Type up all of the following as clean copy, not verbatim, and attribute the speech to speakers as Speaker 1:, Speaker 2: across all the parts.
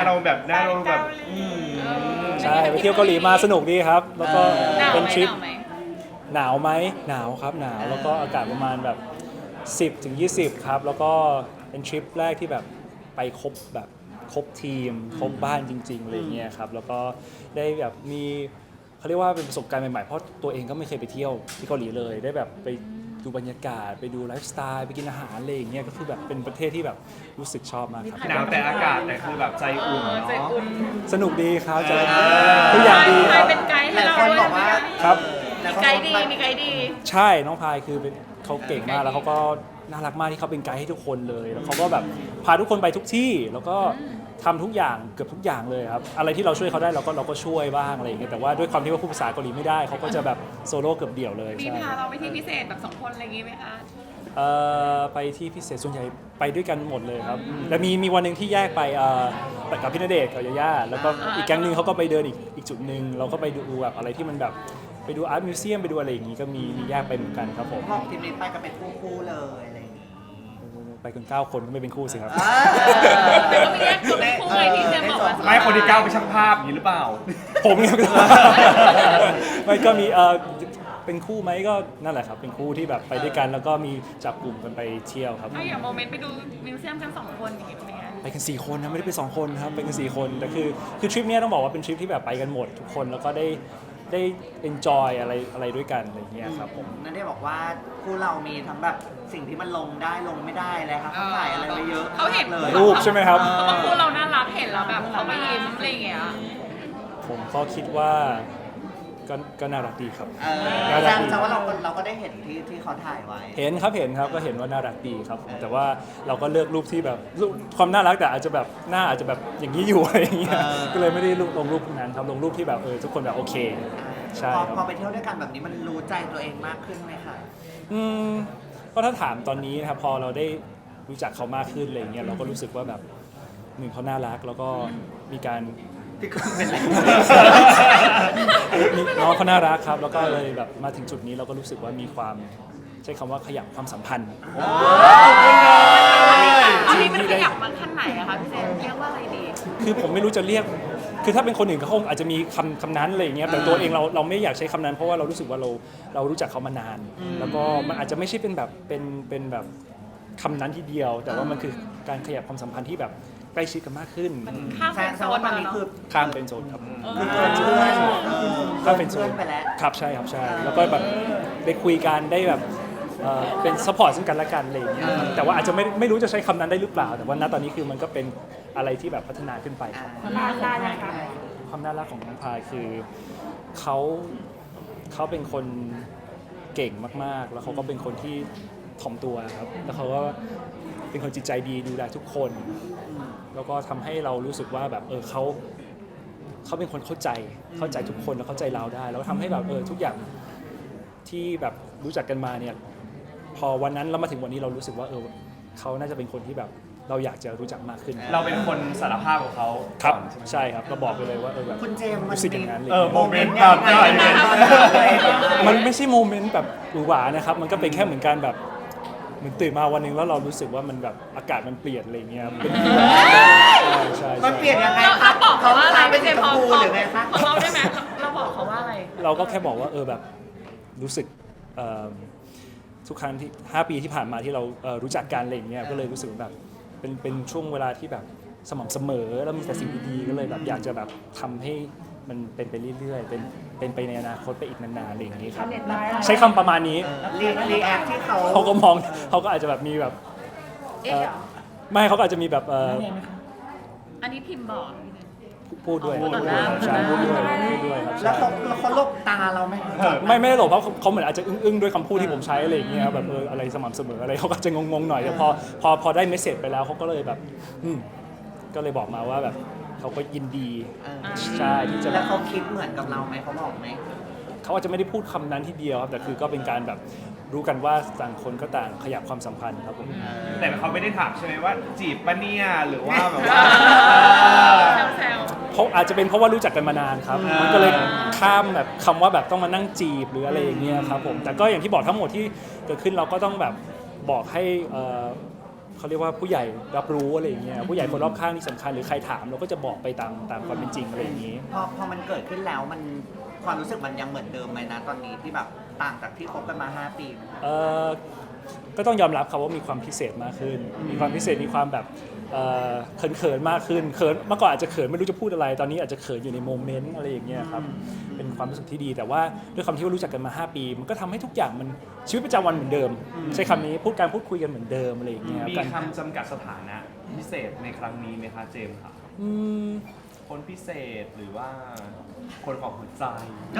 Speaker 1: เราแบบหน้าเราแบบ
Speaker 2: ใช่ไปเที่ยวเกาหลีมาสนุกดีครับแล้วก็
Speaker 3: หนาว
Speaker 2: เป็น
Speaker 3: ไหม
Speaker 2: ทริป
Speaker 3: หนาวไหม
Speaker 2: หนาวครับหนาวแล้วก็อากาศประมาณแบบ10 ถึง 20ครับแล้วก็เป็นทริปแรกที่แบบไปครบทีมครบบ้านจริงๆอะไรเงี้ยครับแล้วก็ได้แบบมีเขาเรียกว่าเป็นประสบการณ์ใหม่ๆเพราะตัวเองก็ไม่เคยไปเที่ยวที่เกาหลีเลยได้แบบไปดูบรรยากาศไปดูไลฟ์สไตล์ไปกินอาหารอะไรอย่างเงี้ยก็คือแบบเป็นประเทศที่แบบรู้สึกชอบมากครับ
Speaker 1: หนาวแต่อากาศแต่คือแบบใจอุ่น
Speaker 3: ใจ
Speaker 1: เนาะ
Speaker 3: อุ่น
Speaker 2: สนุกดีครับจะทุกอย่างดี
Speaker 3: ใค
Speaker 2: ค
Speaker 3: ร
Speaker 2: รับ
Speaker 3: เป็นไกด์
Speaker 4: ห
Speaker 3: ให้
Speaker 4: ลาย
Speaker 3: เรา
Speaker 4: คน
Speaker 3: ด้วย
Speaker 4: บอกว่า
Speaker 2: ครับ
Speaker 3: มีไกด์ดีมีไกด์ดี
Speaker 2: ใช่น้องพายคือเขาเก่งมากแล้วเขาก็น่ารักมากที่เขาเป็นไกด์ให้ทุกคนเลยแล้วเขาก็แบบพาทุกคนไปทุกที่แล้วก็ทำทุกอย่างเกือบทุกอย่างเลยครับอะไรที่เราช่วยเขาได้เราก็ช่วยบ้างอะไรอย่างเงี้ยแต่ว่าด้วยความที่ว่าพูดภาษาเกาหลีไม่ได้เขาก็จะแบบโซโล่เกือบเดี่ยวเลย
Speaker 3: มี
Speaker 2: ใช่
Speaker 3: พาเราไปที่พิเศษแบบ2 คนอะไรอย่างงี้ไหมคะ
Speaker 2: ไปที่พิเศษส่วนใหญ่ไปด้วยกันหมดเลยครับแต่มีวันหนึ่งที่แยกไปไปกับพี่ณเดชน์กับยาย่าแล้วก็อีกแก๊งหนึงเขาก็ไปเดินอีกจุดหนึ่งเราก็ไปดูแบบอะไรที่มันแบบไปดูอาร์ตมิวเซียมไปดูอะไรอย่างงี้ก็มีแยกไปเหมือนกันครับผม
Speaker 4: พวกทีมนี้ไปกันเป็นคู่ๆเลยอะไรอย่างงี้
Speaker 2: ไปกัน9 คนก็ไม่เป็นคู่สิครับ
Speaker 3: แต่ก็มีแยกตัวเป็นคู่ไงที่เจมส์บอกว่า
Speaker 1: ไม่คนที่ก้าวไปนช่างภาพอย่างนี้หรือเปล่า
Speaker 2: ผมเนี่ยไม่ก็มีเป็นคู่ไหมก็นั่นแหละครับเป็นคู่ที่แบบไปด้วยกันแล้วก็มีจับกลุ่มกันไปเที่ยวครับ
Speaker 3: ถ้าอย่างโมเมนต์ไปดูมิวเซียมกัน2 คนอย่างงี้เป็นไง
Speaker 2: ไปกัน4 คนนะไม่ได้ไป2 คนครับไปกัน4 คนแต่คือทริปเนี้ยต้องบอกว่าเป็นทริปที่แบบไปกันหมดทุกคนแล้วก็ได้ enjoy อะไรด้วยกันอะไรอย่างเงี้ยครับผม
Speaker 4: นั่นได้บอกว่าคู่เรามีทั้งแบบสิ่งที่มันลงได้ลงไม่ได้เลยครับเขาถ่ายอะไรไว้เยอะ
Speaker 3: เขาเห็น
Speaker 4: เลย
Speaker 2: รูปใช่ไหมครับ
Speaker 3: เขาบอกคู่เราน่ารักเห็นแล้วแบบเขาไปยิ้มอะไรอย่างเงี้ย
Speaker 2: ผมก็คิดว่าก็น่ารักดีครับ
Speaker 4: แสดงว่าเราก็ได้เห็นที่เขาถ่ายไว้
Speaker 2: เห็นครับก็เห็นว่าน่ารักดีครับแต่ว่าเราก็เลือกรูปที่แบบรูปความน่ารักแต่อาจจะแบบหน้าอาจจะแบบอย่างนี้อยู่อะไรอย่างเงี้ยก็เลยไม่ได้ลงรูปพวกนั้นครับลงรูปที่แบบทุกคนแบบโอเคใช่
Speaker 4: พอ
Speaker 2: ครับ
Speaker 4: พอไปเที่ยวด้วยกันแบบนี้มันรู้ใจตัวเองมากขึ้นไหมคะ
Speaker 2: ก็ถ้าถามตอนนี้นะครับพอเราได้รู้จักเขามากขึ้นอะไรอย่างเงี้ยเราก็รู้สึกว่าแบบหนึ่งเขาน่ารักแล้วก็มีการ
Speaker 4: พี่ก็เป็นไร
Speaker 2: น้องเขาน่ารักครับแล้วก็เลยแบบมาถึงจุดนี้เราก็รู้สึกว่ามีความใช้คำว่าขยับความสัมพันธ์
Speaker 3: อันนี้มันขยับมาขั้นไหนอะคะพี่เจมส์เรียกว่าอะไรดี
Speaker 2: คือผมไม่รู้จะเรียกคือถ้าเป็นคนอื่นเขาคงอาจจะมีคำนั้นอะไรอย่างเงี้ยแต่ตัวเองเราไม่อยากใช้คำนั้นเพราะว่าเรารู้สึกว่าเรารู้จักเขามานาน แล้วก็มันอาจจะไม่ใช่เป็นแบบเป็นแบบคำนั้นทีเดียว แต่ว่ามันคือการขยับความสัมพันธ์ที่แบบใกล้ชิดกันมากขึ้น
Speaker 3: ข้าม
Speaker 4: แฟ
Speaker 3: เป็น
Speaker 4: น
Speaker 3: โซ
Speaker 4: เขา
Speaker 3: น
Speaker 4: ว่าต
Speaker 3: มา
Speaker 4: อน
Speaker 3: แล้ว
Speaker 4: นี้
Speaker 3: เนาะ
Speaker 4: คือ
Speaker 2: ข้ามเป็นโซนครับ
Speaker 4: คือเพื่อน
Speaker 2: ข้ามเป็นโซ
Speaker 4: เพื่อน นไปแล้ว
Speaker 2: ครับใช่ครับใช่แล้วก็แบบได้คุยกันได้แบบเป็นซัพพอร์ตซึ่งกันและกันอะไรอย่างเงี้ยครับแต่ว่าอาจจะไม่รู้จะใช้คำนั้นได้หรือเปล่า แต่ว่าณตอนนี้คือมันก็เป็นอะไรที่แบบพัฒนาขึ้นไปครับ ความน่ารักของน้องพายคือเขาเป็นคนเก่งมากๆ แล้วเขาก็เป็นคนที่ถ่อมตัวครับแล้วเขาก็เป็นคนจิตใจดีดูแลทุกคน แล้วก็ทำให้เรารู้สึกว่าแบบเขาเป็นคนเข้าใจทุกคนแล้วเข้าใจเราได้แล้วทำให้แบบทุกอย่างที่แบบรู้จักกันมาเนี่ยพอวันนั้นเรามาถึงวันนี้เรารู้สึกว่าเขาน่าจะเป็นคนที่แบบเราอยากจะรู้จักมากขึ้น
Speaker 1: เราเป็นคนสารภาพกับเขา
Speaker 2: ครับ
Speaker 1: ก่อนใช่ไหม
Speaker 2: ใช่ครับก็บอกไปเลยว่าแบบ
Speaker 4: คุณเจมส์มัน
Speaker 2: รู้สึกอย่างนั้นเลย
Speaker 1: โมเมนต์แบบไหน
Speaker 2: มันไม่ใช่โมเมนต์แบบหวือหวานะครับ มันก็เป็นแค่เหมือนการแบบเหมือนตื่นมาวันหนึงแล้วเรารู้สึกว่ามันแบบอากาศมันเปลี่ยนอะไรเงี้ยเป็นใช่
Speaker 4: มันเปลี่ยนยังไง
Speaker 3: เรา
Speaker 4: คะ
Speaker 3: บอกเขาว่าอะไร
Speaker 4: เป็
Speaker 3: พี่
Speaker 4: น
Speaker 3: เจ
Speaker 4: สี
Speaker 3: ม
Speaker 4: ช
Speaker 3: ส์
Speaker 4: ม
Speaker 3: พอ
Speaker 4: พูหรือไงคะ
Speaker 3: เราได้ไหมเราบอกเขาว่าอะไร
Speaker 2: เราก็แค่บอกว่าแบบรู้สึกทุกครั้งที่5 ปีที่ผ่านมาที่เรารู้จักกันอะไรอย่างเงี้ยก็เลยรู้สึกว่าแบบเป็นช่วงเวลาที่แบบสม่ำเสมอแล้วมีแต่สิ่งดีๆก็เลยแบบอยากจะแบบทำให้มันเป็นไปเรื่อยๆเป็นไปในอนาคตไปอีกนานๆอะไรอย่างนี้ครับใช้คำประมาณนี้
Speaker 4: รีแอคที่เขา
Speaker 2: เขาก็มองเขาก็อาจจะแบบมีแบบ
Speaker 3: เอ๊ะ
Speaker 2: ไม่เขาก็อาจจะมีแบบ
Speaker 3: อันนี้พิมพ์บอก
Speaker 2: พูดด้วย
Speaker 3: พูดต่อหน้า
Speaker 2: ใช่พูดด้วยครับ
Speaker 4: แล้ว
Speaker 2: ใช่
Speaker 4: เขาลบตาเราไหม
Speaker 2: ไม่ได้หรอกเพราะเขาเหมือนอาจจะอึ้งๆด้วยคำพูดที่ผมใช้อะไรอย่างเงี้ยครับแบบอะไรสม่ำเสมออะไรเขาก็จะงงๆหน่อยแต่พอได้เมสเซจไปแล้วเขาก็เลยแบบก็เลยบอกมาว่าแบบเขาก็ยินดีใช่ที่จะแบ
Speaker 4: แล้ว
Speaker 2: บ
Speaker 4: เขาคิดเหมือนกับเราไหมเขาบอกไหม
Speaker 2: เขาอาจจะไม่ได้พูดคำนั้นทีเดียวครับแต่คือก็เป็นการแบบรู้กันว่าต่างคนก็ต่างขยับความสัมพันธ์ครับผม
Speaker 1: แต่เขาไม่ได้ถามใช่ไหมว่าจีบปะเนี่ยหรือว่าแบบว่า
Speaker 3: แซว
Speaker 2: เพราะอาจจะเป็นเพราะว่ารู้จักกันมานานครับมันก็เลยข้ามแบบคำว่าแบบต้องมานั่งจีบหรืออะไรอย่างเงี้ยครับผมแต่ก็อย่างที่บอกทั้งหมดที่เกิดขึ้นเราก็ต้องแบบบอกให้เขาเรียกว่าผู้ใหญ่รับรู้อะไรอย่างเงี้ยผู้ใหญ่คนรอบข้างที่สำคัญหรือใครถามเราก็จะบอกไปตามความเป็นจริงอะไรอย่างงี้
Speaker 4: พอมันเกิดขึ้นแล้วมันความรู้สึกมันยังเหมือนเดิมไหมนะตอนนี้ที่แบบต่างจากที่คบกันมา 5 ปี
Speaker 2: ก็ต้องยอมรับครับว่ามีความพิเศษมากขึ้น มีความพิเศษมีความแบบเขินมากขึ้นเขินเมื่อก่อนอาจจะเขินไม่รู้จะพูดอะไรตอนนี้อาจจะเขินอยู่ในโมเมนต์อะไรอย่างเงี้ยครับเป็นความรู้สึกที่ดีแต่ว่าด้วยความที่ว่ารู้จักกันมา 5 ปี มันก็ทำให้ทุกอย่างมันชีวิตประจำวันเหมือนเดิม ใช้คำนี้การพูดคุยกันเหมือนเดิมอะไรอย่างเงี้ย
Speaker 1: มี
Speaker 2: การ
Speaker 1: คำจำกัดสถานะพิเศษในครั้งนี้ไหมคะเจมส์ครับ
Speaker 2: อืม
Speaker 1: คนพิเศษหรือว่าคนของหัวใจ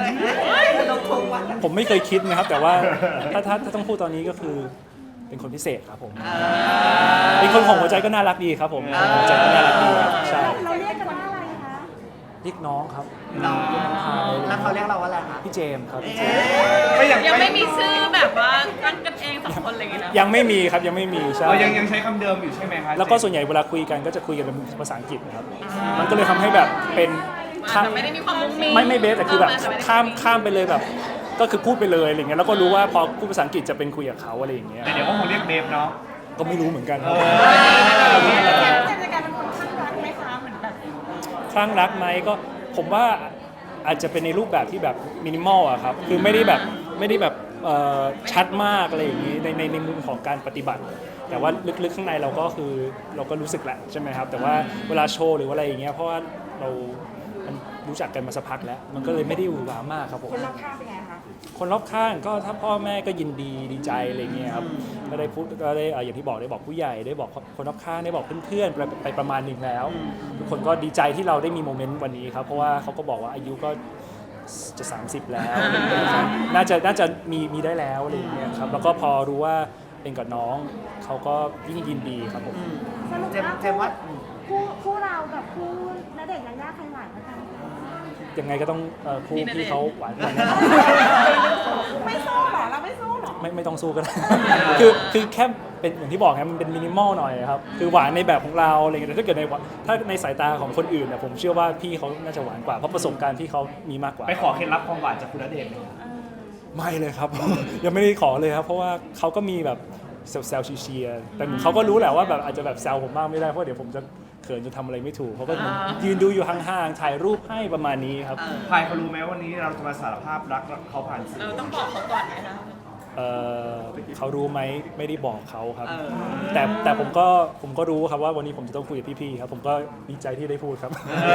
Speaker 2: ผมไม่เคยคิดนะครับ แต่ว่าถ้าต้องพูดตอนนี้ก็คือเป็นคนพิเศษครับผมเป็นคนของหัวใจก็น่ารักดีครับผมคนของหัวใจก็น่ารักดีครับใช่
Speaker 5: เราเรียกกันว่าอะไรคะ
Speaker 2: เรียกน้องครับ
Speaker 4: แล้วเขาเรียกเราว่าอะไรคะ
Speaker 2: พี่เจมส์ครับ
Speaker 3: ยังไม่มีชื่อแบบว่าตั้งกันเองสองคนอะไรอย่างเงี้ยนะ
Speaker 2: ยังไม่มีครับยังไม่มีใช่
Speaker 1: เรายังใช้คำเดิมอยู่ใช่ไหมคะ
Speaker 2: แล้วก็ส่วนใหญ่เวลาคุยกันก็จะคุยกันเป็นภาษาอังกฤษนะครับ มันก็เลยทำให้แบบเป็น
Speaker 3: แต่ไม่ได้มีความมุ้งมิ้ง
Speaker 2: ไม่เบสแต่คือแบบข้ามไปเลยแบบ ก็คือพูดไปเลยอะไรเงี้ยแล้วก็รู้ว่าพอพูดภาษาอังกฤษจะเป็นคุยกับเขาอะไรอย่างเงี้ย
Speaker 1: แต่เดี๋ยวก็คงเรียกเบฟเนาะ
Speaker 2: ก็ไม่รู้เหมือนกันครับ
Speaker 5: เจมส์จะกลายเป็นคนข้างรักไหมคะเหมือนแบบ
Speaker 2: คลั่งรักไหมก็ผมว่าอาจจะเป็นในรูปแบบที่แบบมินิมอลอะครับคือไม่ได้แบบชัดมากอะไรอย่างนี้ในมุมของการปฏิบัติ แต่ว่าลึกๆข้างในเราก็คือเราก็รู้สึกแหละใช่ไหมครับแต่ว่าเวลาโชว์หรือว่าอะไรอย่างเงี้ยเพราะว่าเรารู้จักกันมาสักพักแล้ว มันก็เลยไม่ได้หวือหวามากครับผม
Speaker 5: คนรอบข้างเป็นไงคะ
Speaker 2: คนรอบข้างก็ถ้าพ่อแม่ก็ยินดีใจอะไรเงี้ยครับก็ได้พูดก็ได้อย่างที่บอกได้บอกผู้ใหญ่ได้บอกคนรอบข้างได้บอกเพื่อนๆไปประมาณหนึ่งแล้ว ทุกคนก็ดีใจที่เราได้มีโมเมนต์วันนี้ครับเพราะว่าเขาก็บอกว่าอายุก็จะ30แล้วอะไรเงี้ยครับน่าจะมีได้แล้วอะไรเงี้ยครับแล้วก็พอรู้ว่าเป็นกับน้องเขาก็ยิ่งยินดีครับผม
Speaker 5: สรุป
Speaker 4: เจมส์ว่า
Speaker 5: คู่เรากับคู่ณเดชน์ยายาใครหวานกว่ากัน
Speaker 2: ยังไงก็ต้องคู่พี่เขาหวานกว่าแน่นอน
Speaker 5: ไม่สู้หรอเราไม่สู้หรอ
Speaker 2: ไม่ต้องสู้ก็ได้ คือแค่เป็นอย่างที่บอกครับมันเป็นมินิมอลหน่อยครับคือหวานในแบบของเราอะไรเงี้ยแต่ถ้าเกิดถ้าในสายตาของคนอื่นเนี่ยผมเชื่อว่าพี่เขาน่าจะหวานกว่าเพราะประสบการณ์พี่เขามีมากกว่า
Speaker 1: ไปขอเคล็ดลับความหวานจากคุณณเดชน์ไหมครับ
Speaker 2: ไม่เลยครับ ยังไม่ได้ขอเลยครับเพราะว่าเขาก็มีแบบแซวๆเชียร์ๆแต่เขาก็รู้แหละว่าแบบอาจจะแบบแซวผมบ้างไม่ได้เพราะเดี๋ยวผมจะเขินจะทำอะไรไม่ถูกเขาก็ยืนดูอยู่ห่างๆถ่ายรูปให้ประมาณนี้ครับ
Speaker 1: พายเขารู้ไหมวันนี้เราจะมาสารภาพรักเขาผ่านสื่อ
Speaker 3: ต้องบอกเขาก่อนไหมคะ
Speaker 2: เขารู้ไหมไม่ได้บอกเขาครับ แต่ผมก็รู้ครับว่าวันนี้ผมจะต้องคุยกับพี่ๆครับผมก็ดีใจที่ได้พูดครับ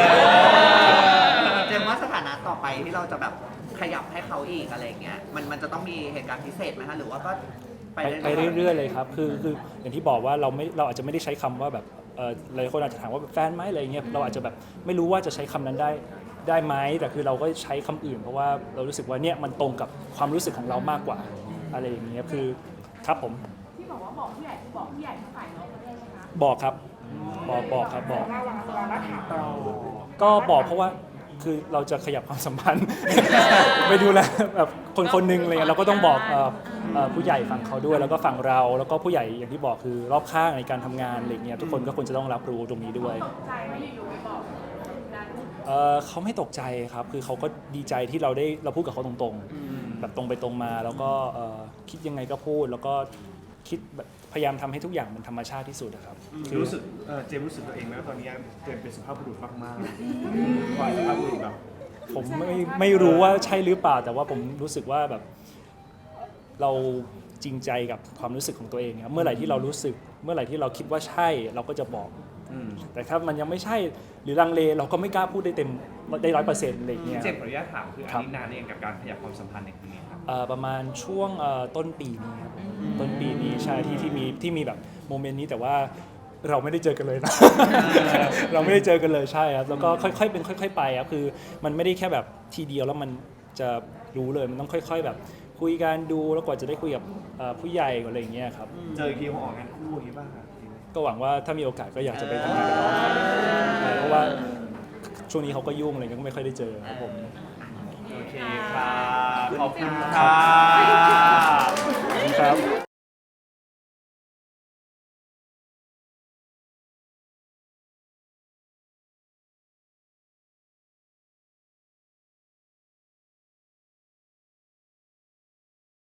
Speaker 4: เจมส์ว่าสถานะต่อไปที่เราจะแบบขยับให้เขาอีกอะไรอย่างเงี้ยมันจะต้องมีเหตุการณ์พิเศษไหมคะหรือว่าก็
Speaker 2: ไปเรื่อยๆเลยครับคืออย่างที่บอกว่าเราอาจจะไม่ได้ใช้คำว่าแบบหลายคนอาจจะถามว่าแบบแฟนไหมอะไรเงี้ยเราอาจจะแบบไม่รู้ว่าจะใช้คำนั้นได้ไหมแต่คือเราก็ใช้คำอื่น เพราะว่าเรารู้สึกว่าเนี่ยมันตรงกับความรู้สึกของเรามากกว่าอะไรอย่างเงี้ยคือครับผม
Speaker 5: ที่บอกว่าบอกผู้ใหญ่คือบอกผู้ใหญ่ทั้งฝ่ายน้องประเทศไหมคะ
Speaker 2: บอกครับบอกครับบอก
Speaker 5: เราแล้วถามเรา
Speaker 2: ก็บอกเพราะว่าคือเราจะขยับความสัมพันธ์ ไปดูแลแบบคนหนึงอะไรเงี้ยเราก็ต้องบอกผู้ใหญ่ฝั่งเขาด้วยแล้วก็ฝั่งเราแล้วก็ผู้ใหญ่อย่างที่บอกคือรอบข้างในการทำงานอะไรเงี้ยทุกคนก็ควรจะต้องรับรู้ตรงนี้ด้วย
Speaker 5: ใจไม่อยู่ๆไปบอกดัน
Speaker 2: เขาไม่ตกใจครับคือเขาก็ดีใจที่เราพูดกับเขาตรงๆแบบตรงไปตรงมาแล้วก็คิดยังไงก็พูดแล้วก็คิดแบบพยายามทำให้ทุกอย่างมันธรรมชาติที่สุดนะครับคือ
Speaker 1: รู้สึกเจมส์รู้สึกตัวเองไหมว่าตอนนี้เจมส์เป็นสุภาพบุรุษมากๆสุภาพบุรุษแบบ
Speaker 2: ผมไม่รู้ว่าใช่หรือเปล่าแต่ว่าผมรู้สึกว่าแบบเราจริงใจกับความรู้สึกของตัวเองครับเมื่อไหร่ที่เรารู้สึกเมื่อไหร่ที่เราคิดว่าใช่เราก็จะบอกแต่ถ้ามันยังไม่ใช่หรือลังเลเราก็ไม่กล้าพูดได้เต็มได้100%อะไรอย่างเงี้ย
Speaker 1: เจมส์ขออนุญาตถามคืออันนี้นานเองกับการขยับความสัมพันธ์ในครั้งนี้ครับ
Speaker 2: ประมาณช่วงต้นปีนี้ครับต้นปีนี้ใช่ที่มีแบบโมเมนต์นี้แต่ว่าเราไม่ได้เจอกันเลยนะ เราไม่ได้เจอกันเลยใช่ครับแล้วก็ค่อยๆเป็นค่อยๆไปครับคือมันไม่ได้แค่แบบทีเดียวแล้วมันจะรู้เลยมันต้องค่อยๆแบบคุยกันดูแล้วกว่าจะได้คุยกับผู้ใหญ่อะไรอย่างเงี้ยครับ
Speaker 1: เจออีกทีคงออกงานคู่อย่างนี้บ้างครับ
Speaker 2: ก็หวังว่าถ้ามีโอกาสก็อยากจะไปทำงานกับน้องใช่เพราะว่าช่วงนี้เขาก็ยุ่งอะไรก็ไม่ค่อยได้เจอครับผม
Speaker 1: โอเคครับขอบคุณครับ
Speaker 2: ครับ